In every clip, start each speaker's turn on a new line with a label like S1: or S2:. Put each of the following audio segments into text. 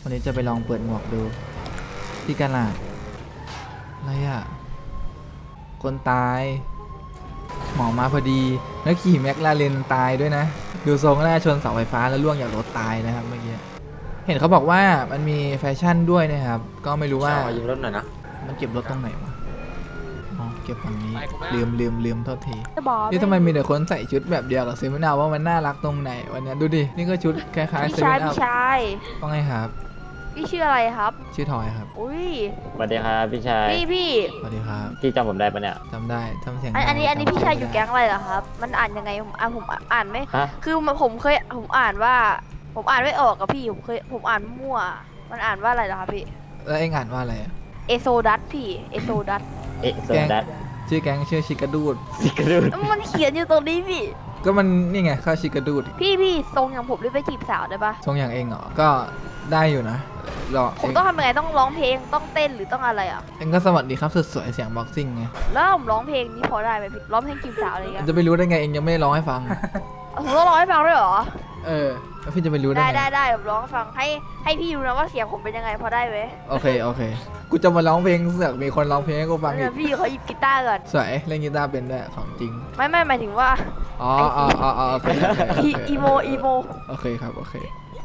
S1: วันนี้จะไปลองเปิดหมวกดูที่กาลาดอะไรอ่ะคนตายหมอมาพอดีแล้วขี่แม็กลาเรนตายด้วยนะดูทรงน่าชนเสาไฟฟ้าแล้วล่วงจากรถตายนะครับเมื่อกี้เห็นเขาบอกว่ามันมีแฟชั่นด้วยนะครับก็ไม่รู้ว่า
S2: ยืมรถหน่อยนะ
S1: มันเก็บรถตรงไหนวะอ๋อเก็บฝั่งนี้ลืมโทษทีนี่ทำไมมีแต่คนใส่ชุดแบบเดียวกับเซมินาว่ามันน่ารักตรงไหนวันนี้ดูดินี่ก็ชุดคล้ายๆเซมินา
S3: พี่ชาย
S1: ว่าไงครับ
S3: พี่ชื่ออะไรครับ
S1: ชื่อทอยครับ
S3: อุ้ย
S2: สวัสดีครับพี่ชาย
S3: พี่
S1: สวัสดีครับ
S2: พี่จำผมได้ปะเนี่ย
S1: จำได้ทำเสียง
S3: อันนี้พี่ชายอยู่แก๊งอะไรเหรอครับมันอ่านยังไงผมอ่านไม่คือผมอ่านว่าผมอ่านไม่ออกกับพี่ผมอ่านมั่วมันอ่านว่าอะไรเหรอครับพี่
S1: แล้วเอ็งอ่านว่าอะไรอะ
S3: เอโซดัสพี่เอโซดัส
S2: โซดัส
S1: ชื่อแก๊งชื่อชิกาดูด
S3: มันเขียนอยู่ตรงนี้พี่
S1: ก็มันนี่ไงข้าวชิกาดูด
S3: พี่ทรงอย่างผมได้ไปจีบสาวได้ปะ
S1: ทรงอย่างเองเหรอก็ได้อยู่นะ
S3: ผมต้องทำยังไงต้องร้องเพลงต้องเต้นหรือต้องอะไรอ่ะ
S1: เอ็งก็สวัสดีครับสุดสวยเสียงบ็อกซิ่งไง
S3: แล้วผมร้องเพลงนี้พอได้ไหมพี่ร้องเพลงจีบสาวอะไรเงี้ย
S1: จะไปรู้ได้ไงเอ็งยังไม่ได้ร้องให้ฟัง
S3: ผมต้องร้องให้ฟังด้วยเหรอ
S1: แล้วพี่จะไปรู้ได้
S3: ได้ผมร้องฟังให้พี่ดูนะว่าเสียงผมเป็นยังไงพอได้ไหม
S1: โอเคกูจะมาร้องเพลงเสือกมีคนร้องเพลงให้กูฟังอีก
S3: พี่เขาหยิบกีตาร์ก่อน
S1: สวยเล่นกีตาร์เป็นด้วยของจริง
S3: ไม่หมายถึงว่า
S1: อ๋อโอเค
S3: อีโม
S1: โอเคครับโอเค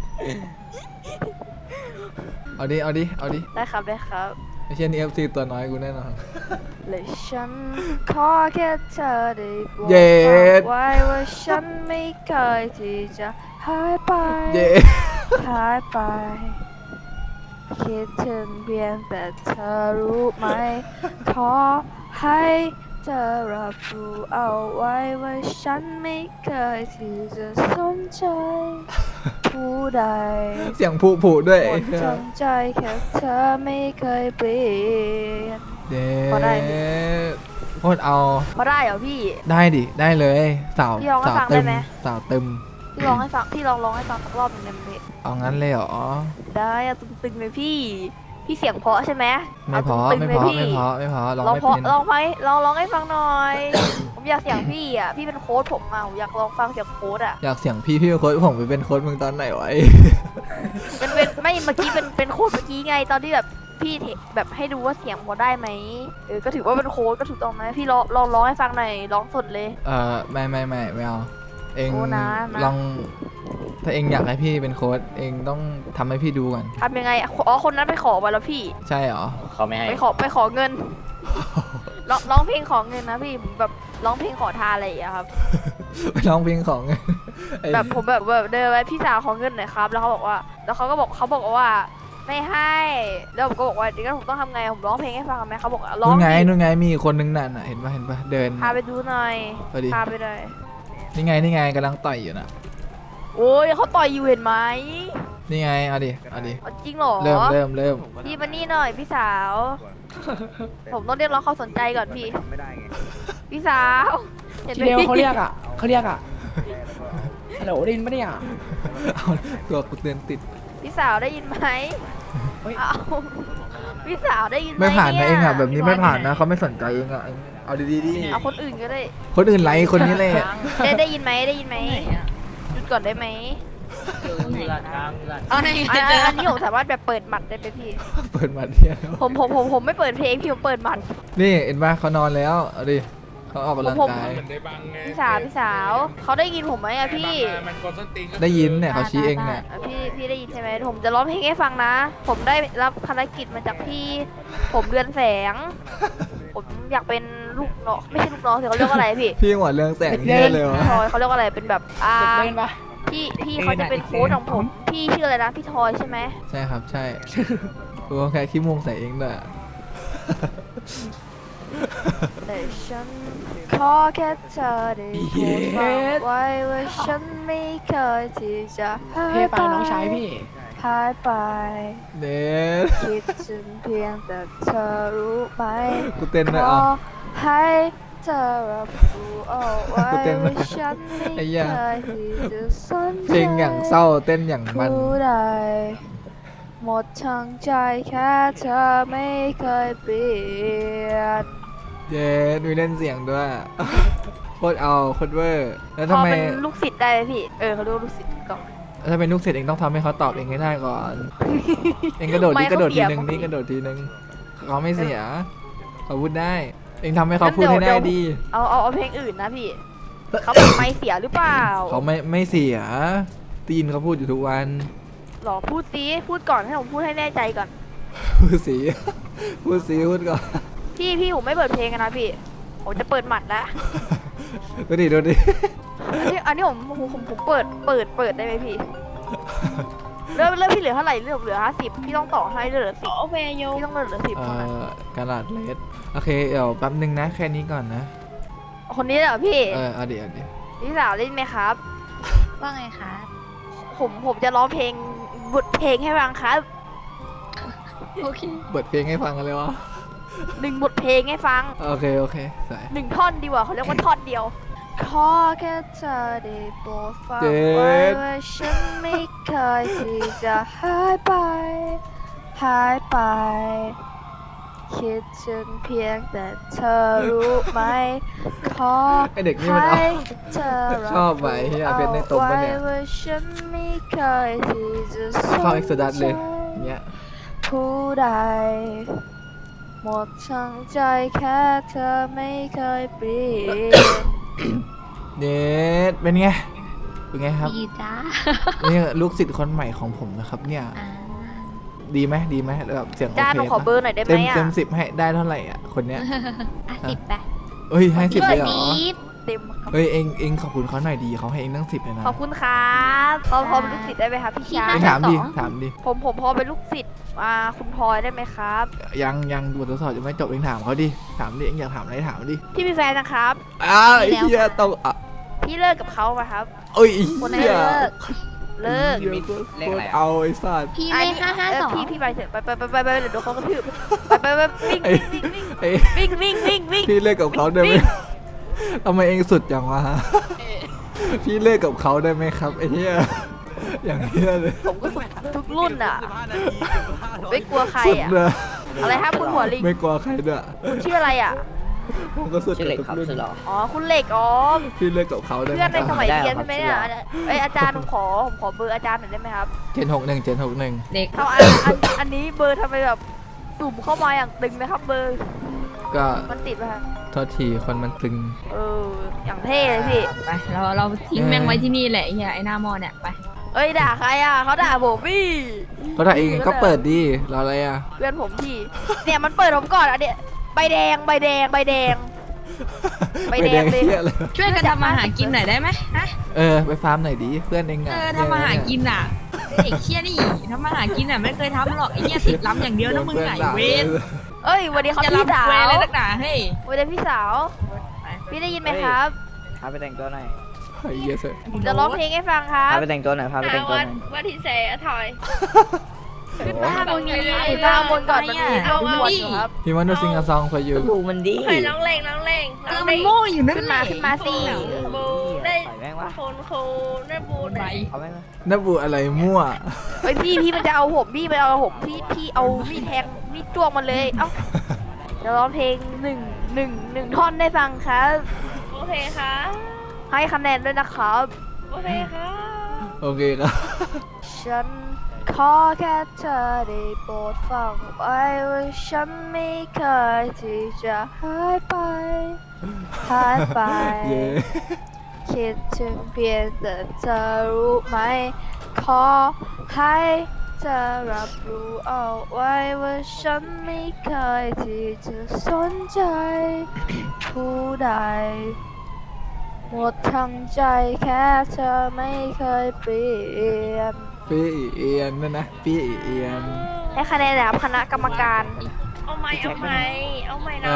S1: เอาดิ
S3: ได้ครับ
S1: ไม่ใช่นี่ FC ตัวน้อยกูแน่นอน
S3: และฉันขอแค่เธอได้บอกไว้ว่าฉันไม่เคยที่จะหายไปคิดถึงเพียงแต่เธอรู้ไหมขอให้เธอรับรู้เอาไว้ว่าฉันไม่เคยที่จะสนใจผู้ใด
S1: เสียงผู้ด้วย
S3: หมดทั้งใจแค่เธอไม่เคยเปลี่ยน
S1: พอได้โคตรเอา
S3: พอได้เหรอพี่
S1: ได้ดิได้เลยสาวตึมสาวตึม
S3: พี่ร้องให้ฟังพี่ร้องให้ฟังสักรอบหนึ่งได้ไหม
S1: เอางั้นเลยเหรอ
S3: ได้อะตึงๆเลยพี่เสียงเพราะใช่ไหม
S1: ไม่เพราะร้องไม่เป็น
S3: ลองให้ฟังหน่อยผมอยากเสียงพี่อ่ะพี่เป็นโค้ดผมอ่ะผมอยากลองฟังเสียงโค้ดอ่ะ
S1: อยากเสียงพี่เป็นโค้ดผมไปเป็นโค้ดมึงตอนไหนวะ
S3: เป็นไม่เมื่อกี้เป็นโค้ดเมื่อกี้ไงตอนที่แบบพี่แบบให้ดูว่าเสียงพอได้ไหมก็ถือว่าเป็นโค้ดก็ถูกต้องไหมพี่ร้องให้ฟังหน่อยร้องสดเลย
S1: ไม่เอาเองลองถ้าเองอยากให้พี่เป็นโค้ดเองต้องทำให้พี่ดูก่อน
S3: ทำยังไงคนนั้นไปขอมาแล้วพี่
S1: ใช่เหรอ
S2: เขาไม่ให้
S3: ไปขอเงินร้องเพลงขอเงินนะพี่แบบร้องเพลงขอทานอะไรอย่างเงี้ยครับ
S1: ไปร้องเพลงขอเงิน
S3: แบบผมแบบเดินไปพี่สาวขอเงินหน่อยครับแล้วเขาบอกว่าไม่ให้แล้วผมก็บอกว่าเดี๋ยวผมต้องทำไงผมร้องเพลงให้ฟังไหมเขาบอกร้อง
S1: นู่นไงมีคนนึงน่ะเห็นปะเดิน
S3: พาไปดูหน่อยพาไปเลย
S1: นี่ไงกำลังต่อยอยู่นะ
S3: โอ้ยเขาต่อยอยู่เห็นไหม
S1: นี่ไงเอาดิ
S3: จริงเหรอ
S1: เริ่ม
S3: พี่มานี่หน่อยพี่สาวผมต้องเรียกร้องความสนใจก่อนพี่สาว
S4: เห็นไหมเขาเรียกอ่ะฮัลโหลได้ยินปะเนี่ย
S1: เอาตัวกูเตือนติด
S3: พี่สาวได้ยินไหมเอาพี่สาวได้ยินไหม
S1: ไม่ผ่านนะเองอ่ะแบบนี้ไม่ผ่านนะเขาไม่สนใจเองอ่ะเอาดี
S3: เอาคนอื่นก็ได้
S1: คนอื่นไลค์คนนี้เลย
S3: ได้ยินไหมหยุดก่อนได้ไหมอันนี้ผมสามารถแบบเปิดหมัดได้ไหมพี่
S1: เปิดหมัดเนี่ย
S3: ผมไม่เปิดเพลงพี่ผมเปิดหมัด
S1: นี่เห็นป่ะเขานอนแล้วเอาดิเขาออกกำลังกาย
S3: พี่สาวเขาได้ยินผมไหมอะพี่
S1: ได้ยินเนี่ยเขาชี้เองเนี่ย
S3: พี่ได้ยินใช่ไหมผมจะร้องเพลงให้ฟังนะผมได้รับภารกิจมาจากพี่ผมเดือนแสงผมอยากเป็นลูกน้องไม่ใช่ลูกน้องเขาเรียกว่าอะไรพี่
S1: หัวเรื่องแสงเนี่ยเลยวะ
S3: เขาเรียกว่าอะไรเป็นแบบพี่เขาจะเป็นโค้ชของผมพี่ชื่ออะไรนะพี่ทอยใช่ไหม
S1: ใช่ครับใช่ตัวแค่ขี้มุงใส่เองด้วย
S3: แต่ฉันขอแค่เธอได้พูดฟังไว้ว่าฉันไม่เคยที่จะหายไป
S4: น้องชายพี่
S3: หายไป
S1: เด็ด
S3: คิดถึงเพียงแต่เธอรู้ไหม
S1: กูเต้นเลย
S3: ขอให้เธอรับรู้เอาไว้ว่าฉันไม่เคยที่จะสนใจ
S1: เพลงอย่างเศร้าเต้นอย่างมัน
S3: ผู้ใดหมดทั้งใจแค่เธอไม่เคยเปลี่ยน
S1: เย้มีเล่นเสียงด้วยโคตรเอาโคตรเวอร์แล้วทำไม
S3: เป็นลูกศิษย์ได้ไหมพี่เขาเรียกลูกศิษย์ก่อน
S1: ถ้าเป็นลูกศิษย์เองต้องทำให้เขาตอบเองให้ได้ก่อน เองกระโดดนี่กระโดดทีนึงนี่กระโดดทีนึงเขาไม่เสียเขาพูดได้ เองทำให้เขาพูดให้ได้ดี
S3: เอาเพลงอื่นนะพี่ เขาแบบไม่เสียหรือเปล่า
S1: เขาไม่เสียตีนเขาพูดอยู่ทุกวัน
S3: หรอพูดซิพูดก่อนให้ผมพูดให้แน่ใจก่อน
S1: พูดสี พูดสีพูดก่อน
S3: พี่ผมไม่เปิดเพลงกันนะพี่ ผมจะเปิดหมัดแล้ว
S1: ดูดิ
S3: อันนี้ผมเปิดได้ไหมพี่ เริ่มพี่เหลือเท่าไหร่เหลือ50พี่ต้องต่อให้เหลือ10
S5: โอเคโย
S3: พี่ต้องเหลือ10เท่านั้น
S1: กระดาษเลสโอเคเดี๋ยวแป๊บนึงนะแค่นี้ก่อนนะ
S3: คนนี้เหรอพี่
S1: เอาเดี๋ยว
S3: พี่สาวเล่นไหมครับ
S5: ว่าไงคะ
S3: ผมจะร้องเพลงบทเพลงให้ฟังครับ
S5: โอเค
S1: เปิดเพลงให้ฟังกันเลยวะ
S3: 1 บทเพลงให้ฟัง
S1: โอเคใส่
S3: 1 ท่อนดีกว่าเขาเรียกว่าท่อนเดียว ขอแค่เธอได้โปรดฟัง
S1: เจ็
S3: ไว้
S1: ด
S3: ว่าฉันไม่เคยที่จะหายไป คิดถึงเพียงแต่เธอรู้ไหม ขอ
S1: ไอเด็กนี่มันเอา
S3: ให้เธอรับ
S1: ชอบไหมเฮียเพชรในตมปะเนี่ย
S3: อาไว้ว่าฉันไม่เคยที่จะส
S1: เข้าน เอ็กซ์ดัส
S3: ใจ
S1: เลยเงี้ย
S3: ผู้ใดหมดทั้งใจแค่เธอไม่เคยเปลี่ยน
S1: เน็ตเป็นไงครับ
S5: ดีจ้า
S1: นี่ลูกศิษย์คนใหม่ของผมนะครับเนี่ย
S5: อ่า
S1: ดีไหมแบบเสียงโอ
S3: จ้า
S1: เค
S3: หนูขอเบอร์หน่อยได้ไหม
S1: เต็ม
S3: อ่ะ
S1: 10ให้ได้เท่าไหร่อ่ะคนเนี้ย
S5: 10ไป
S1: เอ้ยให้10เลยเหรอ
S5: นิด
S3: เต็มครับ
S1: เฮ้ยเองขอบคุณเขาหน่อยดีเขาให้เองตั้ง10เลยนะ
S3: ขอบคุณครับพอเป็นลูกศิษย์ได้ไหมครับพี่ชา
S1: เอย งถามดิ
S3: ผมพอเป็นลูกศิษย์คุณพลอยได้ไหมครับ
S1: ยังบททดสอบยังไม่จบเองถามเขาดิถามดิเองอยากถามอะไรถามดิ
S3: พี่มีแฟนนะครับ
S1: ไอ้เหี้ยต้องอ่ะ
S3: พี่เลิกกับเขาไหมครับ
S1: เอ้ย
S3: คนไหน
S1: เหี้ย
S3: เลิก
S1: เหี้ยโคตรเอาไอ้สัตว์
S5: พี่
S3: อั
S5: เล
S3: น
S5: ข
S3: นี้
S5: 552
S3: พี่ไปเถอะไปเดี๋ยวโดนเขากระทืบไปวิ่ง
S1: ไอ้ไอ้
S3: วิ่ง
S1: พี่เลิกกับเขาได้ไหมทำไมเองสุดอย่างวะพี่เลิกกับเขาได้ไหมครับไอ้เหี้ยอย่างเหี้ยเลย
S3: ผมก็สุดทุกรุ่นอ่ะไม่กลัวใคร
S1: สุด
S3: อ่ะ
S1: เลย
S3: อะไรครับคุณหัวลิง
S1: ไม่กลัวใครด้วย
S3: คุณชื่ออะไรอ่ะ
S1: ผมก็สุดกับทุกรุ่น
S3: อ๋อคุณเหล็กอ๋อ
S1: พี่เลิกกับเขาได้ไหม
S3: เพื่อนใน
S1: ค
S3: ส
S1: รับ
S3: มัยเรียนใช่ไหมเนี่ยอาจารย์ผมขอเบอร์อาจารย์หน่อยได้ไหมครับ
S1: เจน61
S5: เด็ก
S3: เอาอันนี้เบอร์ทำไมแบบสุ่มเข้ามาอย่างตึงนะครับเบอร์
S1: ก็
S3: มันติดไหมครับ
S1: โทษทีคนมันตึง
S3: อย่างเท่เลยพี่
S5: ไปเราทิ้งแม่งไว้ที่นี่แหละไอ้เหี้ยไอ้หน้าหม้อเนี่ยไป
S3: เอ้ยด่าใครอ่ะเขาด่าผมพี่
S1: ก็ถ้าเองก็เปิดดีรออะไรอ่ะ
S3: เพื่อนผมพี่เนี่ยมันเปิดผมก่อนอ่ะเนี่ยใบแดงใบแดงใบแดง ใบแดงเลย
S1: เหี้ยอะไร
S5: ช่วยกันทำมาหากินหน่อยได้ไหมฮะ
S1: ไปฟาร์มหน่อยดิเพื่อนเอง
S5: เอ
S1: อ่ะ
S5: อทำมาหากินอ่ะเด็กเชี่ยนี่ทำมาหากินอ่ะไม่เคยทำหรอกไอ้เหี้ยติดล้ำอย่างเดียวนะมึงไงเวน
S3: เอ้ยวันนี้เขา
S5: จะ
S3: พี่
S5: ล้ำ
S3: สาว
S5: เวรอะไรนักหนาเฮ้ย
S3: วันนี้พี่สาว พี่ได้ยินไหมครับ
S6: พาไปแต่งตัวหน่อย
S1: ไอ้เหี้ยเสร็จ
S3: ผมจะร้องเพลงให้ฟังครับ
S6: พาไปแต่งตัวหน่อย พาไปแต่งตัวหน่อย
S5: ว่าที่เสถอย
S3: ขึ้นมาบนนี้ขึ้นมาบนก่อนมันมีขบวนอยู่ครับ
S1: พี่วันดูซิงซอง for you
S6: ดูมันดี
S7: เคยน้องเล่งน้องเล่ง
S5: เออมันโง่อยู่นั่น
S3: ขึ้น
S5: แห
S3: มา
S5: ละ
S3: ขึ้นมาสิ
S7: บูได้
S6: ใส่แม่งวะ
S7: คนโคได้บู
S5: ไป
S7: ได้
S6: เอาแม่งวะ
S1: นับบูอะไรมั่ว
S3: เฮ้ยพี่มันจะเอาผมพี่มันเอาผมพี่เอามีดแทงมีดจ้วงมันเลยเอ้าจะร้องเพลงหนึ่งท่อนได้ฟังครับ
S7: โอเคค่ะ
S3: ให้คะแนนด้วยนะครับ
S7: โอเคค่ะ
S1: โอเคครับ
S3: ฉันขอแค่เธอได้โปรดฟังไว้ว่าฉันไม่เคยที่จะหายไป
S1: เย้
S3: คิดถึงเพียงแต่เธอรู้ไหม ขอให้เธอรับรู้เอาไว้ว่าฉันไม่เคยที่จะสนใจผู้ใด หมดทั้งใจแค่เธอไม่เคยเปลี่ยน
S1: พี่เอียนนั่นนะพี่เอียน
S3: ให้คะแนนนะครับคณะกรรมการ
S7: เอาไหมเอาไหมเอาไหมนะ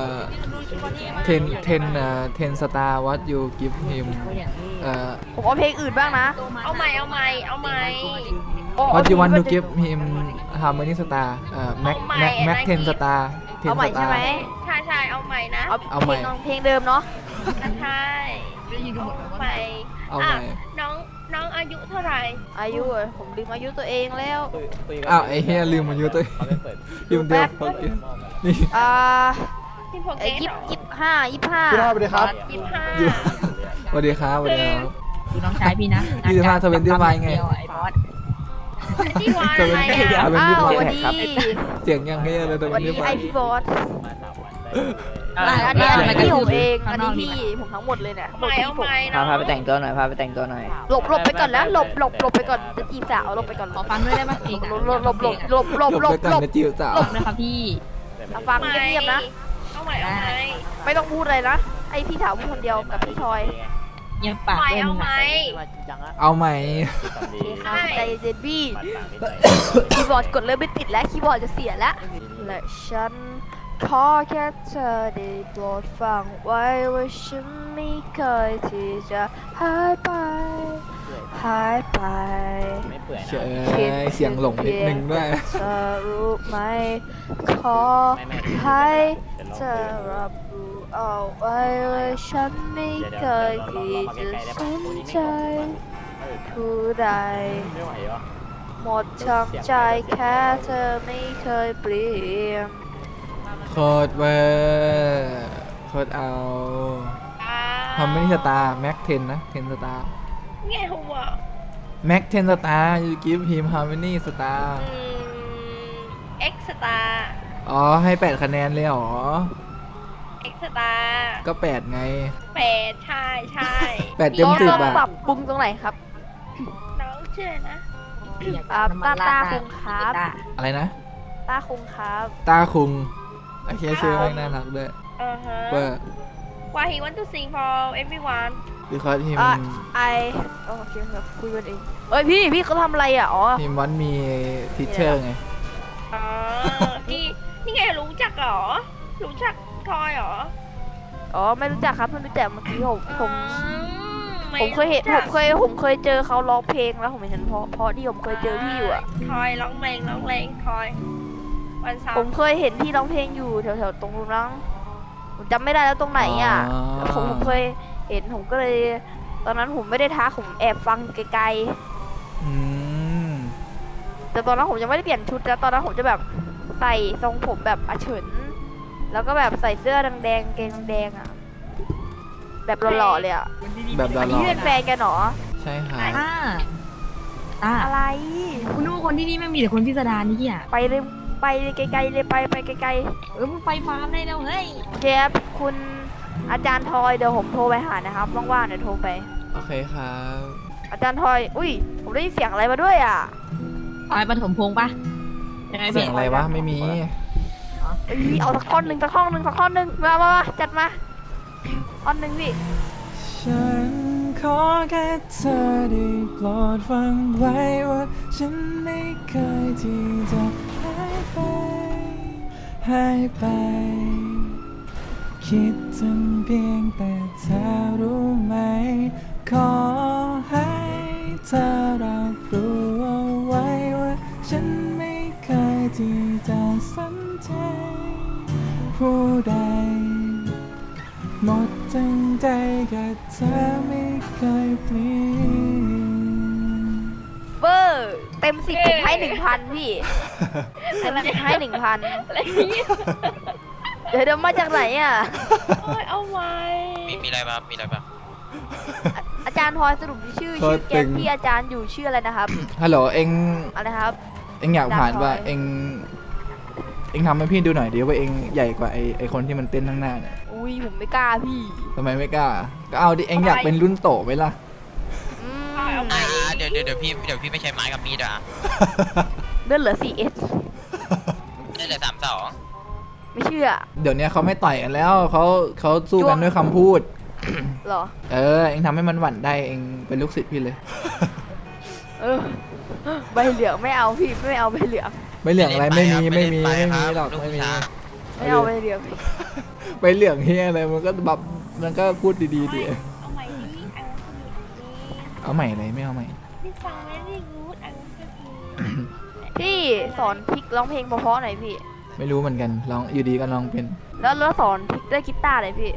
S1: 10 star what you give him
S3: ผมเอาเพลงอื่นบ้างนะ
S7: เอาไหมเอาไหมเอาไหม
S1: what you want to give him how many star max 10 star
S3: เอาใหม่ใช่ไหม
S7: ใช่ใช่เอาไหมนะ
S3: เอาเพลงเดิมเนาะ
S7: ใช่เอาไหม
S1: เอาใหม่
S7: น้องอายุเท่าไหร่
S3: อายุเหรอผมลืมอายุตัวเองแล้ว
S1: อ้าวไอ้เฮียลืมอายุตัวเอง
S6: เขาไม่เปิด
S1: ลืมเดียวพอกินนี่
S7: ที่พก
S3: ยี่
S7: เก
S3: สิ
S7: ต
S3: บห้า
S6: พี่น้องสวัสดีครับ
S7: 25
S1: สวัสดีครับสวัสดีครับ
S5: ดูน้องชายพี่นะ
S1: 25 25ไง
S5: เดียวไอ้บอส
S7: ที่วานอะไรอ่ะ
S1: เป็น
S3: อ้า
S1: พี่
S3: ว
S1: บอ
S3: ส
S1: ส
S3: วัสดี
S1: เสียงยังเฮียเลยตรง
S3: สวัสดี
S1: นี้ไป
S3: ไอพี่บอส
S2: มา3 วันได้
S3: อันนี้
S5: ไป
S3: พี่ผม
S5: ดู
S3: เอง
S5: ข้า
S3: อัน
S5: นอ
S3: นี้
S5: กดี
S3: พี่
S5: กว่า
S3: ผมทั้งหมดเลยเนี่ย
S7: เอาใหม่เอาใหม่
S6: พาไปแต่งตัวหน่อยพาไปแต่งตัวหน่อย
S3: หลบไปก่อนแล้วหลบไปก่อนจะจีบสาวหลบไปก่อน
S5: ขอฟังด้วยได้ปะเพลงอะ
S3: หลบ
S1: ไปก่อนนะจิ๋วสาว
S5: นะครับพี่
S3: ฟังเงียบๆนะ
S7: เอาใหม่เอาใหม่
S3: ไม่ต้องพูดอะไรนะไอพี่ถามคนเดียวกับพี่ทอย
S5: เงียบปาก
S7: ใหม่
S5: ด้วย
S7: เอา
S5: มึง
S7: ให
S5: อะ
S7: ม่
S1: เอาใหม่
S3: โอเคครับใจเย็นพี่
S2: ปัดปากนิดหน่อย
S3: คีย์บอร์ดกดเริ่มไม่ติดแล้วคีย์บอร์ดจะเสียแล้วและฉันขอแค่เธอได้โปรดฟังไว้ว่าฉันไม่เคยที่จะหายไป
S2: ไม่เปื่อยนะ
S1: เชื่อเสียงหลงนิดนึงด้วย
S3: เธอรู้ไหมขอ
S2: ไม่
S3: ให้เธอรับรู้เอาไว้ว่าฉันไม่เคยที่จะสนใจผู้ใด
S2: ไม่ไหววะ
S3: หมดทั้งใจแค่เธอไม่เคยเปลี่ยน
S1: โคตรเวอร์โคตรเอาทำไม่ได้สตาร์แม็กเทนนะเทนสตาร์
S7: ไงหัว
S1: แม็กเทนสตาร์ยูกิฟฮิมฮาร์มนี่สตาร์
S7: เอ็กซ์ตาร์
S1: อ๋อให้8 คะแนนเลยเหรอ
S7: เอ็กซ์ตาร์
S1: ก็ 8 ไง
S7: ใช่ใช่
S1: 8 เต็ม
S3: ต้อง
S1: 10 อ่ะ
S3: ปรับปรุงตรงไหนครับ
S7: น้องชื่อนะ
S3: ตาคงครับ
S1: อะไรนะ
S3: ต้าคงครับ
S1: ตาคุงไอ้เคียชื่อแม่งน่ารักด้วย
S7: ฮะ
S1: เวอร์
S7: Why he want to sing for everyone
S1: because him
S3: โอเคครับคุยกันเองเอ้ยพี่เขาทำอะไรอ่ะอ๋อ
S1: him want me teacher ไง
S7: อ๋อนี่นี่ไงรู้จักเหรอ รู้จักทอยเหรอ
S3: อ๋อไม่รู้จักครับเพิ่งรู้จักเมื่อกี้ผม
S7: ไม่
S3: ผมเคยเห็น
S7: รู้จัก
S3: ผมเคยเจอเขาร้องเพลงแล้วผมเห็นเพราะที่ผมเคยเจอพี่อยู่อ่ะ
S7: ทอยร้องเพลงทอยวันเสา
S3: ผม
S7: ร์
S3: เคยเห็นพี่ร้องเพลงอยู่แถวๆตรงนั้นผมจำไม่ได้แล้วตรงไหนอ่ะ
S1: อ๋อ
S3: ผมเคยเห็นผมก็เลย ตอนนั้นผมไม่ได้ทักผมแอบฟังไกล
S1: อืม
S3: ๆแต่ตอนนั้นผมยังไม่ได้เปลี่ยนชุดแล้วตอนนั้นผมจะแบบใส่ทรงผมแบบอาเฉิน แล้วก็แบบใส่เสื้อแดงๆเกงแดงอ่ะแบบหล่อๆเลยอ่ะ
S1: แบบหล่
S3: อันนี้
S1: อ
S3: เป็นแฟนกันเหรอ
S1: ๆใช่ค่ะ
S3: อะไร
S5: คุณนึกว่าคนที่นี่ไม่มีแต่คนพิสดารนี่อ่ะ
S3: ไปเลยไปเลยไกลๆเลยไปไกล
S5: มึงไปฟาร์มได้แล้วเฮ้ย
S3: ๆเชฟคุณอาจารย์ทอยเดี๋ยวผมโทรไปหานะครับว่างๆเดี๋ยวโทรไป
S1: โอเคครับ
S3: อาจารย์ทอย อุ้ย ผมได้ยินเสียงอะไรมาด้วยอ่ะ
S5: เอาไปปฐมพงษ์ปะยังไง
S1: เสียงอะไรวะไม่มี
S3: เอ้ยเอาสักท่อนหนึ่งมาจัดมาท่อนหนึ่งพี่
S1: ฉันขอแค่เธอได้โปรดฟังไว้ว่าฉันไม่เคยที่จะหายไป คิดถึงเพียงแต่เธอรู้ไหม ขอให้เธอรับรู้เอาไว้ว่าฉันไม่เคยที่จะสนใจผู้ใด หมดทั้งใจกับเธอไม่เคยเปลี่ยน
S3: เบอร์เต็ม10ผมให้ 1,000 พี่ เต็ม10ให้ 1,000
S7: อะไรเนี่ย
S3: เดี๋ยวมาจากไหนอ่ะ
S7: โอ้ยเอาไว้
S8: มีอะไรบ้างมีอะไรบ้าง
S3: อาจารย์ทอยสรุปชื่อแกงที่อาจารย์อยู่ชื่ออะไรนะครับ
S1: ฮัลโหลเอ็ง
S3: อะไรครับ
S1: เอ็งอยากผ่านว่า
S3: ดาบทอย
S1: เอ็งทำให้พี่ดูหน่อยดิว่าเอ็งใหญ่กว่าไอคนที่มันเต้นข้างหน้าเนี่ย
S3: อุ้ยผมไม่กล้าพี่
S1: ทำไมไม่กล้า ก็เอาดิเอ็งอยากเป็นรุ่นโตไหมล่ะ
S3: อืม
S8: เดี๋ยวพี่ไม่ใช้ไม้กับมีดอ่ะ
S3: เลื่อนเหลือ 4S
S8: ได้เลย32
S3: ไม่เชื่อ
S1: เดี๋ยวนี้เขาไม่ต่อยกันแล้วเขาสู้กันด้วยคำพูด
S3: เหรอ
S1: เออเอ็งทำให้มันหวั่นได้เอ็งเป็นลูกศิษย์พี่เลย
S3: เออ ใบเหลืองไม่เอาพี่ไม่เอาใบเหลือง
S1: ไม่เหลืองอะไรไม่มีหรอก
S8: ลูก
S1: ไม่มี
S8: ผู้ชาย
S3: ไม่เอาใบเหลือง
S1: ไปเหลืองเฮียอะไรมันก็แบบมันก็พูดดีๆดิ
S7: เอาใหม่ดิอังกฤษดี
S1: เอาใหม่เลยไม่เอาใหม่
S7: พี่ฟังไม่ได้รู้อังกฤษดี
S3: พี่สอนพริกร้องเพลงเพราะๆหน่อยพี่
S1: ไม่รู้เหมือนกันลองอยู่ดีก็ลองเป็น
S3: แล้วสอนพริกด้วยกีตาร์หน่อยพี่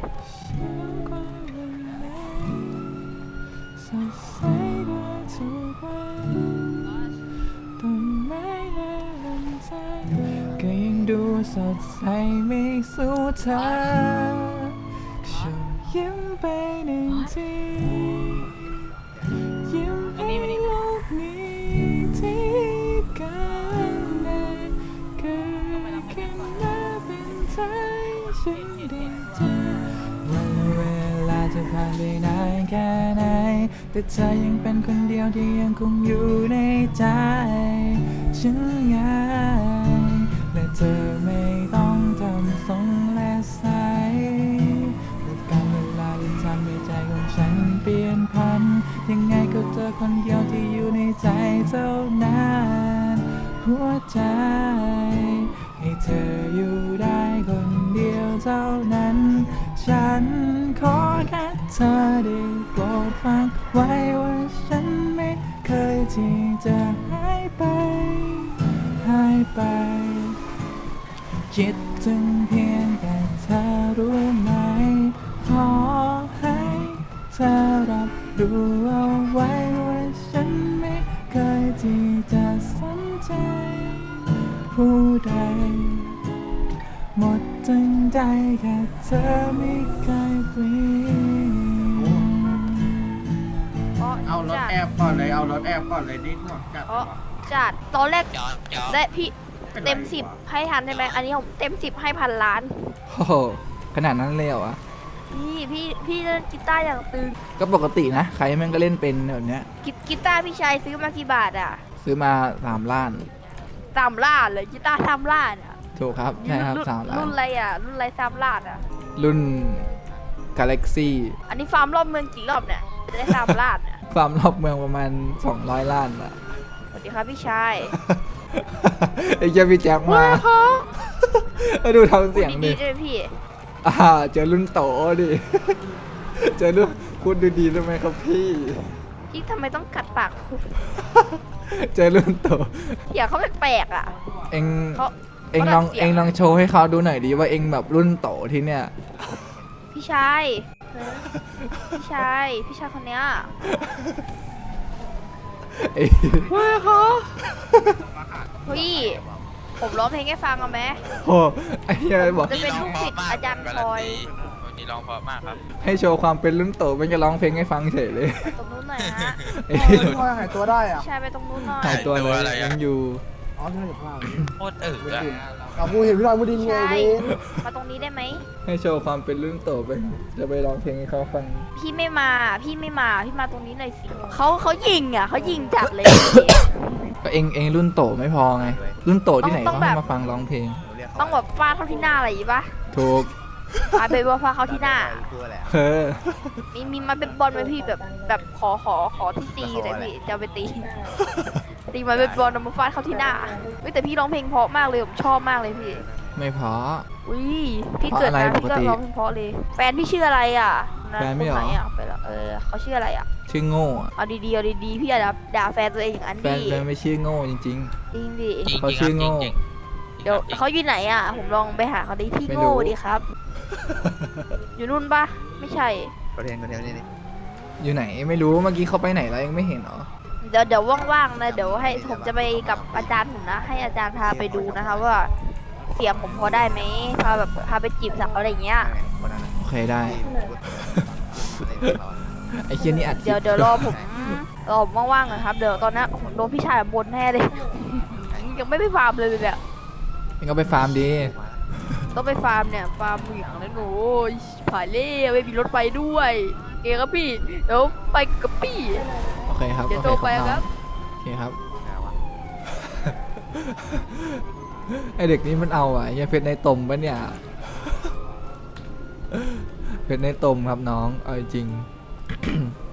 S1: ก็ยังดูสดใสไม่สู้เธอช่วยยิ้มไปหนึ่งทีแต่เธอยังเป็นคนเดียวที่ยังคงอยู่ในใจฉันไงและเธอไม่ต้องทำทรงและใสและการเวลาที่ทำให้ใจของฉันเปลี่ยนพันยังไงก็เจอคนเดียวที่อยู่ในใจเท่านั้นหัวใจให้เธออยู่ได้คนเดียวเท่านั้นฉันขอแค่เธอได้โปรดฟังไว้ว่าฉันไม่เคยที่จะหายไปคิดถึงเพียงแต่เธอรู้ไหมขอให้เธอรับรู้เอาไว้ว่าฉันไม่เคยที่จะสนใจผู้ใดหมดทั้งใจแค่เธอไม่เคยเปลี่ยน
S3: เอารถแอบ
S7: นิดหน่อยจัดตอนแรก
S8: จอด
S7: และพี่เต็ม 10 ให้ทันใช่ไหมอันนี้ผมเต็ม 10 ให้พันล้าน
S1: โอ้โหขนาดนั้นเลยเหรอวะ
S7: พี่เล่นกีตาร์อย่างตึง
S1: ก็ปกตินะ ใครแม่งก็เล่นเป็นแบบเนี้ย
S7: กีตาร์พี่ชายซื้อมากี่บาทอ่ะ
S1: ซื้อมา3 ล้าน
S7: 3 ล้านเลยกีตาร์3 ล้านอ่ะ
S1: ถูกครับ ใช่ครับ
S7: รุ่น
S1: 3 ล้าน
S7: รุ่นอะไรอ่ะ รุ่นอะไร3 ล้านอ่ะ
S1: รุ่น Galaxy
S7: อันนี้ฟาร์มรอบเมืองกี่รอบเนี่ยจะได้3 ล้านอ่ะ
S1: ฟาร์มรอบเมืองประมาณ200 ล้านอะ
S7: สวัสดีครับพี่ชาย
S1: ไอ้เจ้าพี่แจ็คมาดูทำเสียง
S7: พู
S1: ดิ
S7: ดดีๆด้วยพี่
S1: เจอรุ่นโตดิ เจอรุ่นพูดดีๆได้ไหมครับพี่
S7: พี่ทำไมต้องกัดปากพูด
S1: เจอรุ่นโต
S7: เสียงเขาแปลกๆอ่ะ
S1: เอ็ง
S7: เขา
S1: เอ็งลองโชว์ให้เขาดูหน่อยดิว่าเอ็งแบบรุ่นโตที่เนี่ย
S7: พี่ชายพี่ชายคนเนี้ย
S1: ไอ้
S7: เฮ้ยผมร้องเพลงให้ฟังเอาไหม
S1: โอ้ไอ้เหี้ยบอก
S7: จะเป็นลูกศิษย์อาจารย์พลอย
S8: วันนี้ร้องเพราะมากครับ
S1: ให้โชว์ความเป็นรุ่นโตมันจะร้องเพลงให้ฟังเฉยเลย
S7: ตรงนู้นหน่อยฮะ
S1: ไอ้เหี้ย
S4: พ่อหายตัวได้อ่ะ
S7: พี่ชายไปตรงนู้นหน่อย
S1: หายตัวเลยยังอยู่
S4: อ๋อที่นั่นอยู่ข้างล่าง
S8: โคตรอะ
S4: กับกูเห็นพี่ลอยมูดิน
S7: พี่
S4: ไง
S7: ชาย
S4: เว้ย
S7: มาตรงนี้ได้ไหม
S1: ให้โชว์ความเป็นรุ่นโตไป จะไปร้องเพลงให้เขาฟัง
S7: พี่ไม่มาพี่มาตรงนี้หน่อยสิเขายิงอ่ะเขายิงจัดเลย
S1: ก็เองรุ่นโตไม่พอไง รุ่นโตที่ไหน
S7: ต้อ
S1: เขา
S7: ง
S1: ให้
S7: แบบ
S1: มาฟังร้องเพลง
S7: ต้องแบบฟาดเข้าที่หน้าอะไรอย่างงี้ปะ
S1: ถูก
S7: มาเป็นว่าฟาดเข้าที่หน้า
S1: เออ
S7: มีมาเป็นบอลไหมพี่แบบขอที่ตีเลยพี่จะเอาไปตี ตีมาเป็นบอลเอามาฟาดเข้าที่หน้าเฮ้ยแต่พี่ร้องเพลงเพราะมากเลยผมชอบมากเลยพี่
S1: ไม่พอ
S7: อุ้ยพี่เกิดมา
S1: เพราะอะไร
S7: พี่ก็
S1: ปกติ
S7: ร้องเพลงเพราะเลย แฟนพี่ชื่ออะไรอ่ะ
S1: แฟนไม่เหรอ
S7: คไหอ่ะไปแล้วเขาชื่ออะไรอ่ะ
S1: ชื่อโง่อะ
S7: เอาดีๆพี่อย่าด่าแฟนตัวเองอย่างนั้น
S1: แฟ
S7: ดิ
S1: นไม่ชื่อโง่จริง
S7: จริงดิ
S8: จริง
S1: เขา
S8: จริง
S1: ชื่อ
S8: จ
S1: โง่
S8: ริงจริง
S7: เดี๋ยวเขาอยู่ไหนอ่ะผมลองไปหาเขาดิพี่
S1: ไม่รู้
S7: โง่ดีครับ อยู่นู่นปะไม่ใช่
S1: ๆ อยู่ไหนไม่รู้เมื่อกี้เขาไปไหนแล้วยังไม่เห็นเหรอ
S7: เดี๋ยวว่างๆนะเดี๋ยวให้ผมจะไปกับอาจารย์ผมนะให้อาจารย์พาไปดูนะคะว่าเสียงผมพอได้ไหมพาไปจีบสาวอะไรอย่างเงี้ย
S1: โอเคได้ ไอ้เคียนี่อัดคลิป
S7: เดี๋ยวรอผมว่างๆหน่อยครับเดี๋ยวตอนนี้ผมโดนพี่ชายบ่นแน่เลย ยังไม่ไปฟาร์มเลยเนี่ย
S1: เองก็ไปฟาร์มดี
S7: ต้องไปฟาร์มเนี่ยฟาร์มเหมืองนะหนูผ่านเล่ไม่มีรถไปด้วยเกครับพี่เดี๋ยวไปกับพี่
S1: โอเคครับ
S7: เดี๋ยว
S1: โอ
S7: โทร
S1: เค
S7: ไป
S1: น้อง
S7: ครับ
S1: โอเคครับ ไอเด็กนี้มันเอาอ่ะยังเพชรในตมปะเนี่ย เพชรในตมครับน้อง เอาจริง